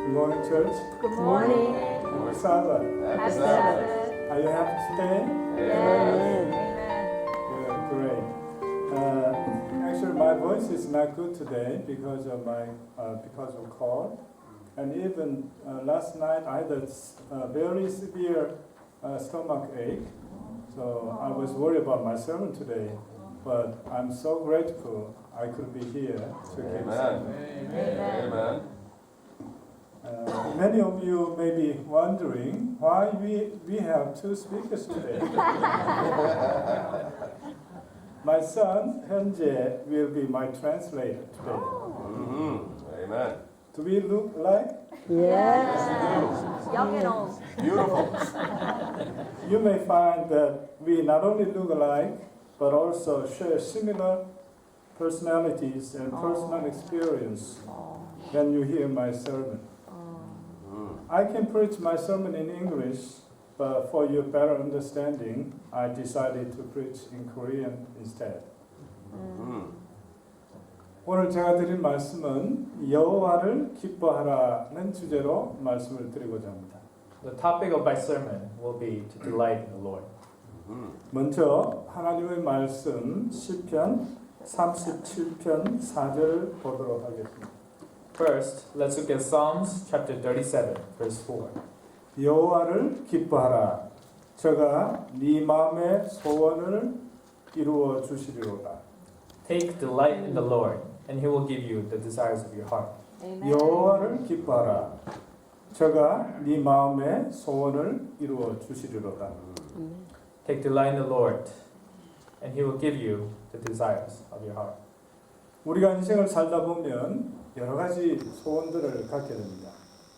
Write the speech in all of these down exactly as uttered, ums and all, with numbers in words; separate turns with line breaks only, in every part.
Good morning, church.
Good morning.
Happy Sabbath.
Happy Sabbath.
Are you happy today?
Yes.
Good, great. Uh, actually, my voice is not good today because of my uh, because of cold, and even uh, last night I had a s- a very severe uh, stomach ache. So I was worried about my sermon today, but I'm so grateful I could be here to give
Amen.
sermon.
Amen.
Amen.
Uh, many of you may be wondering why we, we have two speakers today. My son, Hyunjae, will be my translator today.
Mhm. Amen.
Do we look like?
Yes. Young and old.
Beautiful.
You may find that we not only look alike, but also share similar personalities and personal experience when you hear my sermon.
Mhm.
I can preach my sermon in English, but for your better understanding, I decided to preach in Korean instead.
Mhm.
오늘 제가 드릴 말씀은 여호와를 기뻐하라는 주제로 말씀을 드리고자 합니다.
The topic of my sermon will be to delight in the Lord.
Mhm.
먼저 하나님의 말씀 시편 삼십칠 편 사 절을 보도록 하겠습니다.
First, let's look at Psalms chapter thirty-seven, verse four.
여호와를 기뻐하라. 저가 네 마음의 소원을 이루어 주시리로다.
Take delight in the Lord, and He will give you the desires of your heart.
여호와를 기뻐하라. 저가 네 마음의 소원을 이루어 주시리로다.
Take delight in the Lord, and He will give you the desires of your heart.
우리가 인생을 살다 보면 여러 가지 소원들을 갖게 됩니다.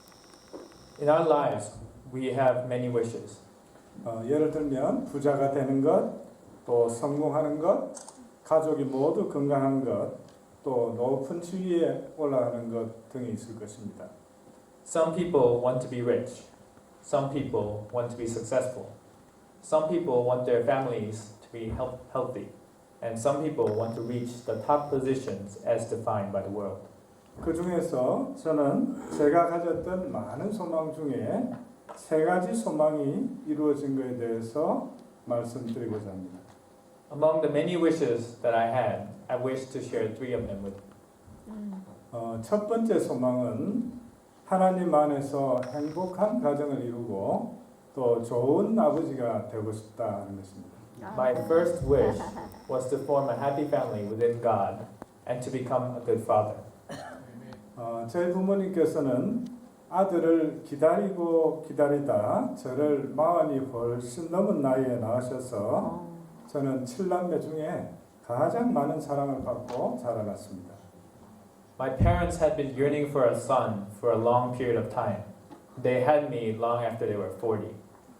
In our lives, we have many wishes.
어, 예를 들면 부자가 되는 것, 또 성공하는 것, 가족이 모두 건강한 것, 또 높은 지위에 올라가는 것 등이 있을 것입니다.
Some people want to be rich. Some people want to be successful. Some people want their families to be health- healthy. And some people want to reach the top positions as defined by the world.
그 중에서 저는 제가 가졌던 많은 소망 중에 세 가지 소망이 이루어진 것에 대해서 말씀드리고자 합니다.
Among the many wishes that I had, I wish to share three of them with you.
어, 첫 번째 소망은 하나님 안에서 행복한 가정을 이루고 또 좋은 아버지가 되고 싶다는 것입니다.
My first wish was to form a happy family within God and to become a good father.
어, 저희 부모님께서는 아들을 기다리고 기다리다 저를 마흔이 훨씬 넘은 나이에 낳으셔서 저는 칠남매 중에 가장 많은 사랑을 받고 자라났습니다.
My parents had been yearning for a son for a long period of time. They had me long after they were forty.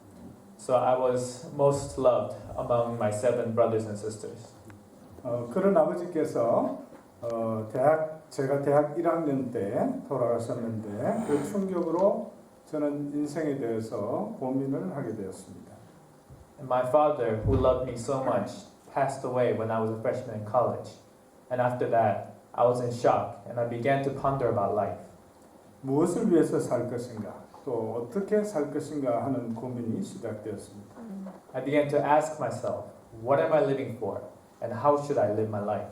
So I was most loved among my seven brothers and sisters.
어, 그런 아버지께서 어, 대학 제가 대학 일 학년 때 돌아가셨는데 그 충격으로 저는 인생에 대해서 고민을 하게 되었습니다.
And my father, who loved me so much, passed away when I was a freshman in college. And after that, I was in shock and I began to ponder about life.
무엇을 위해서 살 것인가, 또 어떻게 살 것인가 하는 고민이 시작되었습니다.
I began to ask myself, what am I living for? And how should I live my life?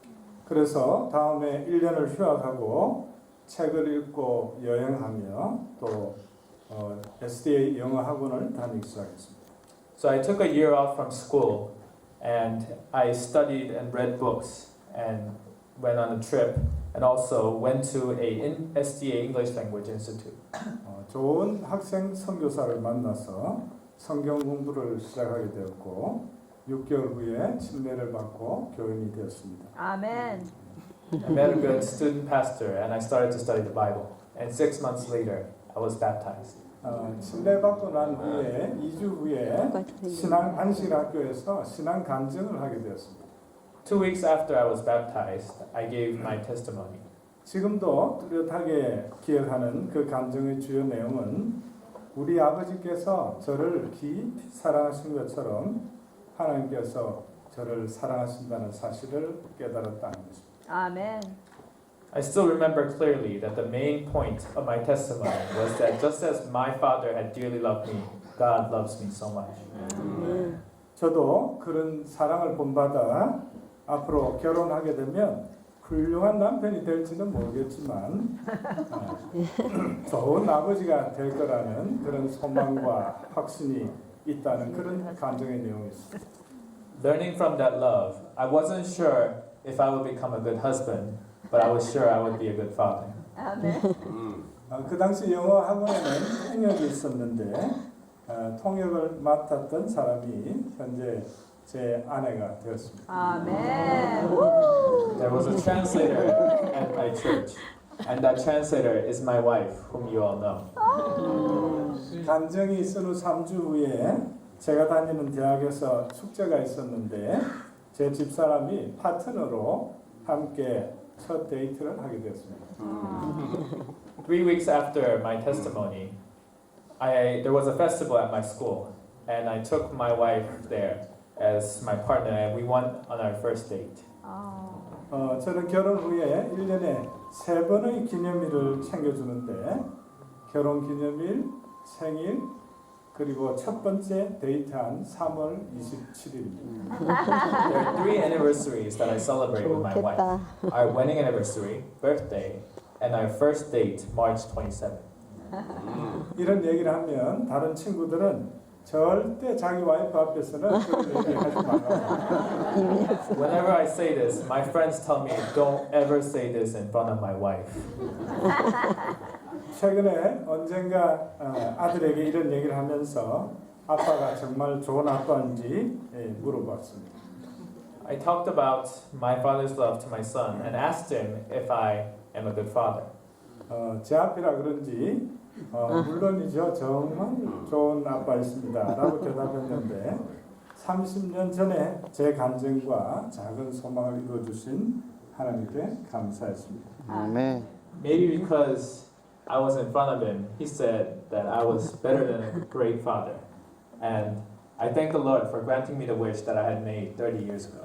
그래서 다음에 일 년을 휴학하고 책을 읽고 여행하며 또 어, 에스디에이 영어 학원을 다니기 시작했습니다.
So I took a year off from school and I studied and read books and went on a trip and also went to a S D A English Language Institute.
어, 좋은 학생 선교사를 만나서 성경 공부를 시작하게 되었고 육 개월 후에 침례를 받고 교인이 되었습니다.
Amen.
I met a good student pastor and I started to study the Bible. And six months later, I was baptized.
어, 침례 받고 난 후에 이 주 후에 신앙 안식학교에서 신앙 간증을 하게 되었습니다.
Two weeks after I was baptized, I gave my testimony.
지금도 뚜렷하게 기억하는 그 간증의 주요 내용은 우리 아버지께서 저를 깊이 사랑하신 것처럼 하나님께서 저를 사랑하신다는 사실을 깨달았다는 것입니다.
Amen.
I still remember clearly that the main point of my testimony was that just as my father had dearly loved me, God loves me so much.
저도 그런 사랑을 본받아 앞으로 결혼하게 되면 훌륭한 남편이 될지는 모르겠지만 어, 좋은 아버지가 될 거라는 그런 소망과 확신이 있다는 그런 감정의 내용이 있습니다.
Learning from that love, I wasn't sure if I would become a good husband, but I was sure I would be a good father.
아멘.
음.
어, 그 당시 영어 학원에는 통역이 있었는데 어, 통역을 맡았던 사람이 현재 제 아내가 되었습니다.
아멘.
There was a translator at my church, and that translator is my wife, whom you all know.
간증이 있은 후 삼 주 후에 제가 다니는 대학에서 축제가 있었는데 제 집사람이 파트너로 함께 첫 데이트를 하게 되었습니다.
Three weeks after my testimony, I there was a festival at my school, and I took my wife there as my partner, and we went on our first date.
어, 저는 결혼 후에 일 년에 세 번의 기념일을 챙겨주는데 결혼 기념일, 생일, 그리고 첫 번째 데이트한 삼월 이십칠일입니다.
There are three anniversaries that I celebrate with my wife:
좋겠다.
our wedding anniversary, birthday, and our first date, March twenty-seventh.
이런 얘기를 하면 다른 친구들은 절대 자기 와이프 앞에서는 그런 얘기 하지 말라고.
Whenever I say this, my friends tell me, "Don't ever say this in front of my wife."
최근에 언젠가 어, 아들에게 이런 얘기를 하면서 아빠가 정말 좋은 아빠인지 예, 물어봤습니다.
I talked about my father's love to my son and asked him if I am a good father.
어, 제 앞이라 그런지 어, 물론이죠. 정말 좋은 아빠였습니다. 라고 대답했는데 삼십 년 전에 제 간증과 작은 소망을 이루어주신 하나님께 감사했습니다.
아멘.
Maybe because I was in front of him, he said that I was better than a great father. And I thank the Lord for granting me the wish that I had made thirty years ago.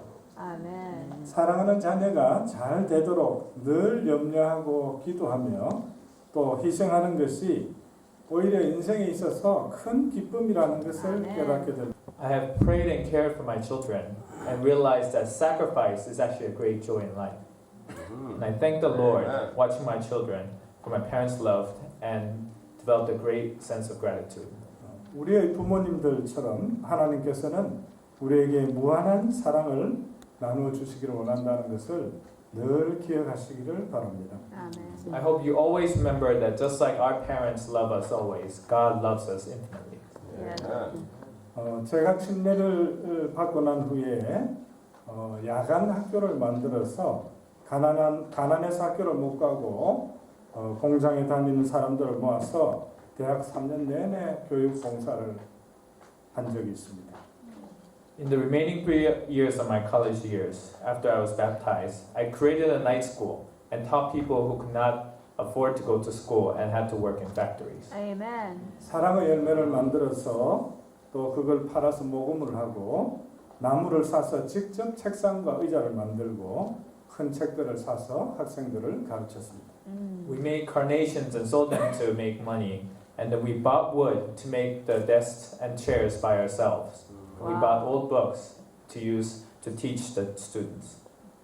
아멘.
사랑하는 자녀가 잘 되도록 늘 염려하고 기도하며 또 희생하는 것이 오히려 인생에 있어서 큰 기쁨이라는 것을
아멘.
깨닫게 됩니다.
I have prayed and cared for my children and realized that sacrifice is actually a great joy in life. And I thank the Lord watching my children for my parents' love and developed a great sense of gratitude.
우리의 부모님들처럼 하나님께서는 우리에게 무한한 사랑을 나누어 주시기를 원한다는 것을 늘 기억하시기를 바랍니다.
아멘.
I hope you always remember that just like our parents love us always, God loves us infinitely.
아멘.
어, 제가 침례를 받고 난 후에 어, 야간 학교를 만들어서 가난한 가난해서 학교를 못 가고 어, 공장에 다니는 사람들을 모아서 대학 삼 년 내내 교육 봉사를 한 적이 있습니다.
In the remaining three years of my college years, after I was baptized, I created a night school and taught people who could not afford to go to school and had to work in factories.
아멘.
사랑의 열매를 만들어서 또 그걸 팔아서 모금을 하고 나무를 사서 직접 책상과 의자를 만들고 큰 책들을 사서 학생들을 가르쳤습니다.
We made carnations and sold them to make money, and then we bought wood to make the desks and chairs by ourselves. We
Wow.
bought old books to use to teach the students.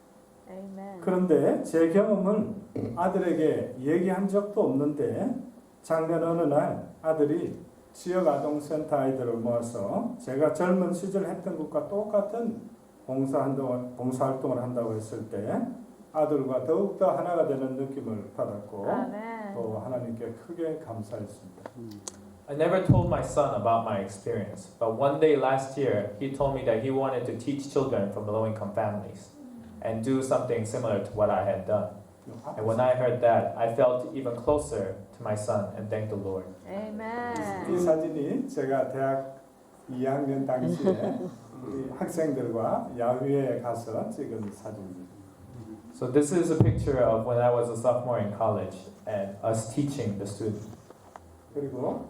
아멘.
그런데 제 경험을 아들에게 얘기한 적도 없는데 작년 어느 날 아들이 지역 아동센터 아이들을 모아서 제가 젊은 시절 했던 것과 똑같은 봉사활동을, 봉사활동을 한다고 했을 때 아들과 더욱더 하나가 되는 느낌을 받았고
아멘.
또 하나님께 크게 감사했습니다.
I never told my son about my experience, but one day last year, he told me that he wanted to teach children from low-income families and do something similar to what I had done. And when I heard that, I felt even closer to my son and thanked the Lord.
이
아멘.
사진이 제가 대학 이 학년 당시에 우리 학생들과 야외에 가서 찍은 사진입니다.
So this is a picture of when I was a sophomore in college and us teaching the students.
그리고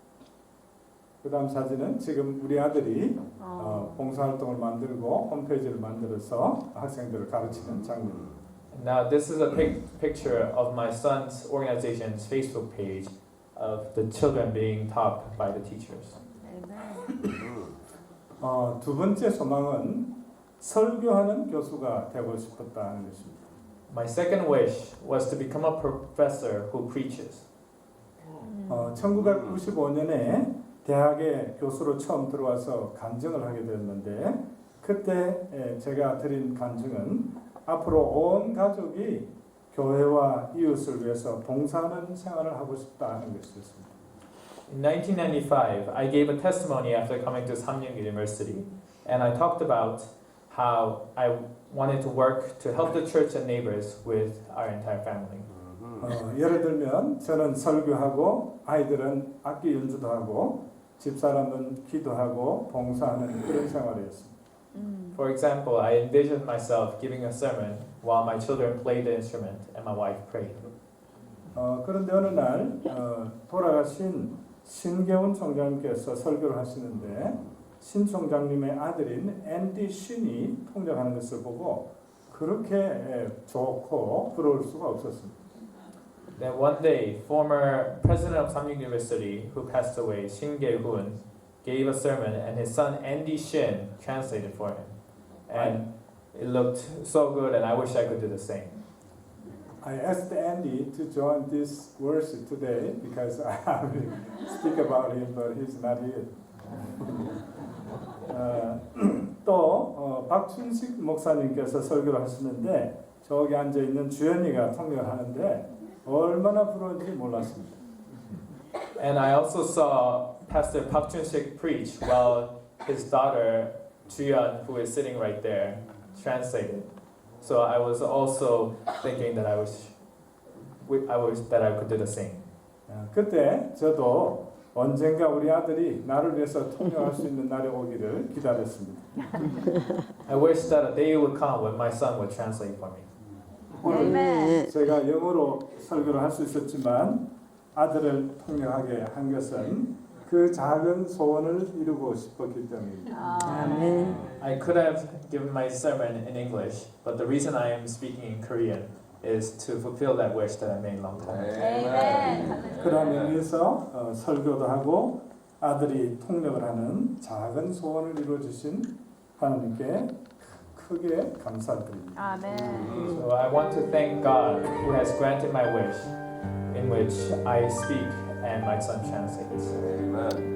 그 다음 사진은 지금 우리 아들이
어.
어, 봉사활동을 만들고 홈페이지를 만들어서 학생들을 가르치는 장면입니다.
Now, this is a pic- picture of my son's organization's Facebook page of the children being taught by the teachers.
Amen.
어, 두 번째 소망은 설교하는 교수가 되고 싶었다는 것입니다.
My second wish was to become a professor who preaches.
어, 천구백구십오 년에 대학에 교수로 처음 들어와서 간증을 하게 됐는데 그때 에, 제가 드린 간증은 앞으로 온 가족이 교회와 이웃을 위해서 봉사하는 생활을 하고 싶다는 것이었습니다.
In nineteen ninety-five, I gave a testimony after coming to Samyang University, and I talked about how I wanted to work to help the church and neighbors with our entire family.
어, 예를 들면 저는 설교하고 아이들은 악기 연주도 하고 집사람은 기도하고 봉사하는 그런 생활이었습니다.
음.
For example, I envisioned myself giving a sermon while my children played the instrument and my wife prayed.
어, 그런데 어느 날 어, 돌아가신 신계훈 총장님께서 설교를 하시는데 신 총장님의 아들인 앤디 신이 통역하는 것을 보고 그렇게 에, 좋고 부러울 수가 없었습니다.
Then one day, former president of Samyang University, who passed away, Shin Ge-hoon, gave a sermon, and his son Andy Shin translated for him. And it looked so good, and I wish I could do the same.
I asked Andy to join this worship today because I will speak about him, but he's not here. 어, 또 어, 박춘식 목사님께서 설교를 하시는데 저기 앉아 있는 주연이가 통역을 하는데 얼마나 부러운지 몰랐습니다.
And I also saw Pastor Park Chun-sik preach while his daughter Juyeon, who is sitting right there, translated. So I was also thinking that I was, I wish that I could do the same.
어, 그때 저도 언젠가 우리 아들이 나를 위해서 통역할 수 있는 날이 오기를 기다렸습니다.
I wish that a day would come when my son would translate for me.
Amen.
제가 영어로 설교를 할 수 있었지만 아들을 통역하게 한 것은 그 작은 소원을 이루고 싶었기 때문입니다.
아멘.
I could have given my sermon in English, but the reason I am speaking in Korean is to fulfill that wish that I made a long time ago.
Amen.
그런 의미에서 어, 설교도 하고 아들이 통역을 하는 작은 소원을 이루어 주신 하나님께 크게 감사드립니다.
아멘.
So I want to thank God who has granted my wish, in which I speak and my son translates.
Amen.